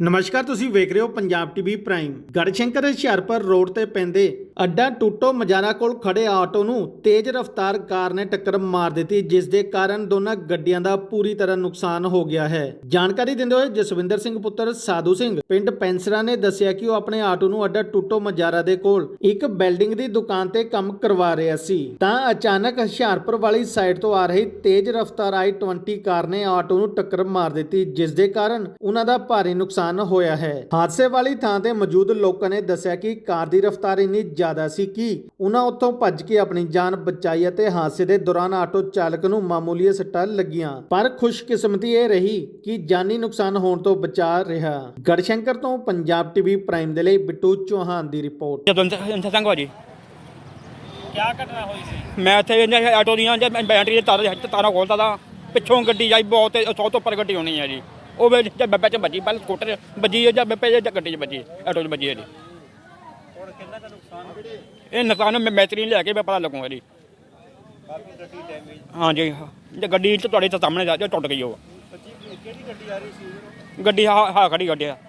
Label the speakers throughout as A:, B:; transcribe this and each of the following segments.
A: ਨਮਸਕਾਰ, ਤੁਸੀਂ ਵੇਖ ਰਹੇ ਹੋ Punjab TV prime. Garhshankar Hoshiarpur road ਤੇ ਪੈਂਦੇ ਅੱਡਾ ਟੂਟੋ ਮਜਾਰਾ ਕੋਲ ਖੜੇ ਆਟੋ ਨੂੰ ਤੇਜ਼ ਰਫ਼ਤਾਰ ਕਾਰ ਨੇ ਟੱਕਰ ਮਾਰ ਦਿੱਤੀ, ਜਿਸ ਦੇ ਕਾਰਨ ਦੋਨਾਂ ਗੱਡੀਆਂ ਦਾ ਪੂਰੀ ਤਰ੍ਹਾਂ ਨੁਕਸਾਨ ਹੋ ਗਿਆ ਹੈ। ਜਾਣਕਾਰੀ ਦਿੰਦੇ ਹੋਏ ਜਸਵਿੰਦਰ ਸਿੰਘ ਪੁੱਤਰ ਸਾਧੂ ਸਿੰਘ ਪਿੰਡ ਪੈਂਸਰਾ ਨੇ ਦੱਸਿਆ ਕਿ ਉਹ ਆਪਣੇ ਆਟੋ ਨੂੰ ਅੱਡਾ ਟੂਟੋ ਮਜਾਰਾ ਦੇ ਕੋਲ ਇੱਕ ਬਿਲਡਿੰਗ ਦੀ ਦੁਕਾਨ ਤੇ ਕੰਮ ਕਰਵਾ ਰਿਹਾ ਸੀ ਤਾਂ ਅਚਾਨਕ ਹੁਸ਼ਿਆਰਪੁਰ ਵਾਲੀ ਸਾਈਡ ਤੋਂ ਆ ਰਹੀ ਤੇਜ਼ ਰਫ਼ਤਾਰ i20 ਕਾਰ ਨੇ ਆਟੋ ਨੂੰ ਟੱਕਰ ਮਾਰ ਦਿੱਤੀ, ਜਿਸ ਦੇ ਕਾਰਨ ਉਹਨਾਂ ਦਾ ਭਾਰੀ ਨੁਕਸਾਨ ਹੋਇਆ ਹੈ। ਹਾਦਸੇ ਵਾਲੀ ਥਾਂ ਤੇ ਮੌਜੂਦ ਲੋਕਾਂ ਨੇ ਦੱਸਿਆ ਕਿ ਕਾਰ ਦੀ ਰਫ਼ਤਾਰ ਇੰਨੀ ਜ਼ਿਆਦਾ ਸੀ ਕਿ ਉਹਨਾਂ ਉੱਥੋਂ ਭੱਜ ਕੇ ਆਪਣੀ ਜਾਨ ਬਚਾਈ ਅਤੇ ਹਾਦਸੇ ਦੇ ਦੌਰਾਨ ਆਟੋ ਚਾਲਕ ਨੂੰ ਮਾਮੂਲੀ ਸੱਟਾਂ ਲੱਗੀਆਂ, ਪਰ ਖੁਸ਼ਕਿਸਮਤੀ ਇਹ ਰਹੀ ਕਿ ਜਾਨੀ ਨੁਕਸਾਨ ਹੋਣ ਤੋਂ ਬਚਾ ਰਿਹਾ। ਗੜਸ਼ੰਕਰ ਤੋਂ ਪੰਜਾਬ ਟੀਵੀ ਪ੍ਰਾਈਮ ਦੇ ਲਈ ਬਿੱਟੂ ਚੌਹਾਨ ਦੀ ਰਿਪੋਰਟ।
B: ਸੰਗ ਭਾਜੀ
C: क्या घटना हुई सी?
B: मैं इतने आटो ਦੀਆਂ ਬੈਟਰੀ ਦੇ ਤਾਰਾਂ ਖੋਲਦਾ ਤਾਂ ਪਿੱਛੋਂ ਗੱਡੀ ਆਈ ਬਹੁਤ 100 ਤੋਂ ਉੱਪਰ ਗੱਡੀ ਹੋਣੀ ਹੈ ਜੀ। ਉਹ ਬੱਬੇ ਚ ਵੱਜੀ, ਪਹਿਲਾਂ ਸਕੂਟਰ ਵੱਜੀ ਜਾਂ ਬੱਬੇ ਜਾਂ ਗੱਡੀ ਚ ਵੱਜੀ, ਆਟੋ ਚ ਵੱਜੀ ਹੈ ਜੀ।
C: ਹੁਣ ਕਿੰਨਾ ਦਾ ਨੁਕਸਾਨ?
B: ਇਹ ਨੁਕਸਾਨ ਮੈਂ ਮੈਤਰੀ ਲੈ ਕੇ ਪਤਾ ਲੱਗੂਗਾ ਜੀ।
C: ਕਾਫੀ ਗੱਡੀ ਡੈਮੇਜ।
B: ਹਾਂਜੀ, ਜੇ ਗੱਡੀ ਚ ਤੁਹਾਡੇ ਸਾਹਮਣੇ ਜਾ ਟੁੱਟ ਗਈ ਉਹ
C: ਕਿਹੜੀ ਗੱਡੀ ਆ ਰਹੀ ਸੀ?
B: ਗੱਡੀ ਹਾਂ ਖੜੀ ਗੱਡੀ ਆ।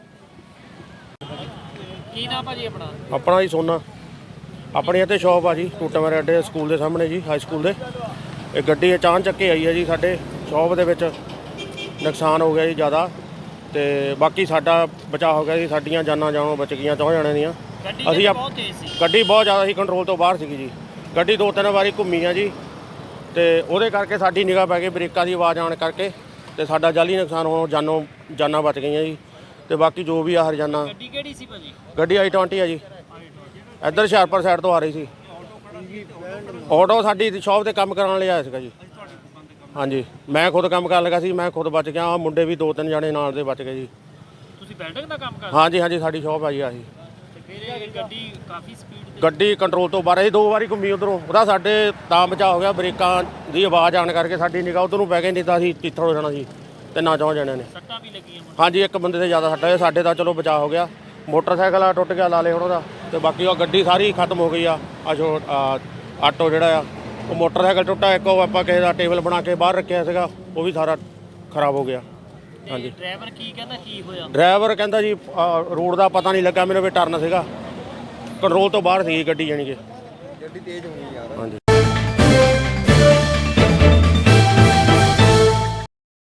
C: ਕੀ ਨਾਮ ਭਾਜੀ ਆਪਣਾ?
D: ਆਪਣਾ ਜੀ ਸੋਨਾ, ਆਪਣੀ ਇੱਥੇ ਸ਼ੌਪ ਆ ਜੀ ਟੂਟਾਂ ਅੱਡੇ ਸਕੂਲ ਦੇ ਸਾਹਮਣੇ ਜੀ, ਹਾਈ ਸਕੂਲ ਦੇ। ਇਹ ਗੱਡੀ ਅਚਾਨਕ ਆਈ ਹੈ ਜੀ, ਸਾਡੇ ਸ਼ੌਪ ਦੇ ਵਿੱਚ ਨੁਕਸਾਨ ਹੋ ਗਿਆ ਜੀ ਜ਼ਿਆਦਾ, ਤੇ ਬਾਕੀ ਸਾਡਾ ਬਚਾਅ ਹੋ ਗਿਆ ਜੀ। ਸਾਡੀਆਂ ਜਾਨਾਂ ਜਾਨੋਂ ਬਚ ਗਈਆਂ 4 ਜਣਿਆਂ ਦੀਆਂ।
C: ਗੱਡੀ ਬਹੁਤ ਤੇਜ਼ ਸੀ।
D: ਗੱਡੀ ਬਹੁਤ ਜ਼ਿਆਦਾ ਸੀ, ਕੰਟਰੋਲ ਤੋਂ ਬਾਹਰ ਸੀਗੀ ਜੀ। ਗੱਡੀ 2-3 ਵਾਰੀ ਘੁੰਮੀ ਆ ਜੀ, ਤੇ ਉਹਦੇ ਕਰਕੇ ਸਾਡੀ ਨਿਗਾਹ ਪੈ ਗਈ ਬ੍ਰੇਕਾਂ ਦੀ ਆਵਾਜ਼ ਆਉਣ ਕਰਕੇ, ਤੇ ਸਾਡਾ ਜਾਲੀ ਨੁਕਸਾਨ ਹੋਣ ਜਾਨਾਂ ਬਚ ਗਈਆਂ ਜੀ। ਤੇ ਬਾਕੀ ਜੋ ਵੀ ਆ ਹਰਜਾਨਾ।
C: ਗੱਡੀ ਕਿਹੜੀ ਸੀ ਭਾਜੀ?
D: ਗੱਡੀ i20 ਆ ਜੀ, ਇੱਧਰ ਹੁਸ਼ਿਆਰਪੁਰ ਸਾਈਡ ਤੋਂ ਆ ਰਹੀ ਸੀ। ਆਟੋ ਸਾਡੀ ਸ਼ੌਪ ਤੇ ਕੰਮ ਕਰਨ ਲਈ ਆਇਆ ਸੀਗਾ ਜੀ। ਹਾਂਜੀ, ਮੈਂ ਖੁਦ ਕੰਮ ਕਰਨ ਲੱਗਾ ਸੀ, ਮੈਂ ਖੁਦ ਬਚ ਗਿਆ। ਆ ਮੁੰਡੇ ਵੀ 2-3 ਜਣੇ ਨਾਲ ਦੇ ਬਚ ਗਏ ਜੀ।
C: ਤੁਸੀਂ ਬਿਲਡਿੰਗ ਦਾ ਕੰਮ ਕਰਦੇ?
D: ਹਾਂਜੀ, ਸਾਡੀ ਸ਼ੌਪ ਆ ਜੀ ਆਹੀ।
C: ਤੇ ਫਿਰ ਇਹ ਗੱਡੀ ਕਾਫੀ ਸਪੀਡ ਤੇ
D: ਗੱਡੀ ਕੰਟਰੋਲ ਤੋਂ ਬਾਹਰ ਸੀ, 2 ਵਾਰੀ ਘੁੰਮੀ ਉਧਰੋਂ। ਉਹਦਾ ਸਾਡੇ ਤਾਂ ਬਚਾਅ ਹੋ ਗਿਆ, ਬ੍ਰੇਕਾਂ ਦੀ ਆਵਾਜ਼ ਆਉਣ ਕਰਕੇ ਸਾਡੀ ਨਿਗਾਹ ਉਧਰ ਨੂੰ ਪੈ ਗਈ, ਨਹੀਂ ਤਾਂ ਅਸੀਂ ਚਿੱਥੜ ਹੋ ਜਾਣਾ ਸੀ। 3-4 ਜਣਿਆਂ ਨੇ।
C: ਸੱਟਾਂ ਵੀ ਲੱਗੀਆਂ ਹੁਣ?
D: ਹਾਂਜੀ, ਇੱਕ ਬੰਦੇ ਤੇ ਜ਼ਿਆਦਾ ਸੱਟ ਹੈ, ਸਾਡੇ ਤਾਂ ਚਲੋ ਬਚਾਅ ਹੋ ਗਿਆ। ਮੋਟਰਸਾਈਕਲ ਆ ਟੁੱਟ ਗਿਆ ਲਾਲੇ ਹੁਣ ਉਹਦਾ, ਤੇ ਬਾਕੀ ਉਹ ਗੱਡੀ ਸਾਰੀ ਖਤਮ ਹੋ ਗਈ ਆ। ਆਟੋ ਜਿਹੜਾ ਆ ਉਹ ਮੋਟਰਸਾਈਕਲ ਟੁੱਟਾ, ਇੱਕ ਉਹ ਆਪਾਂ ਕਿਸੇ ਦਾ ਟੇਬਲ ਬਣਾ ਕੇ ਬਾਹਰ ਰੱਖਿਆ ਸੀਗਾ, ਉਹ ਵੀ ਸਾਰਾ ਖਰਾਬ ਹੋ ਗਿਆ।
C: ਹਾਂਜੀ, ਡਰਾਈਵਰ ਕੀ ਕਹਿੰਦਾ ਕੀ ਹੋਇਆ?
D: ਡਰਾਈਵਰ ਕਹਿੰਦਾ ਜੀ ਰੋਡ ਦਾ ਪਤਾ ਨਹੀਂ ਲੱਗਾ ਮੈਨੂੰ, ਵੀ ਟਰਨ ਸੀਗਾ, ਕੰਟਰੋਲ ਤੋਂ ਬਾਹਰ ਸੀ ਗੱਡੀ, ਜਾਣੀ ਕਿ ਗੱਡੀ ਤੇਜ਼ ਹੋਣੀ ਯਾਰ। ਹਾਂਜੀ,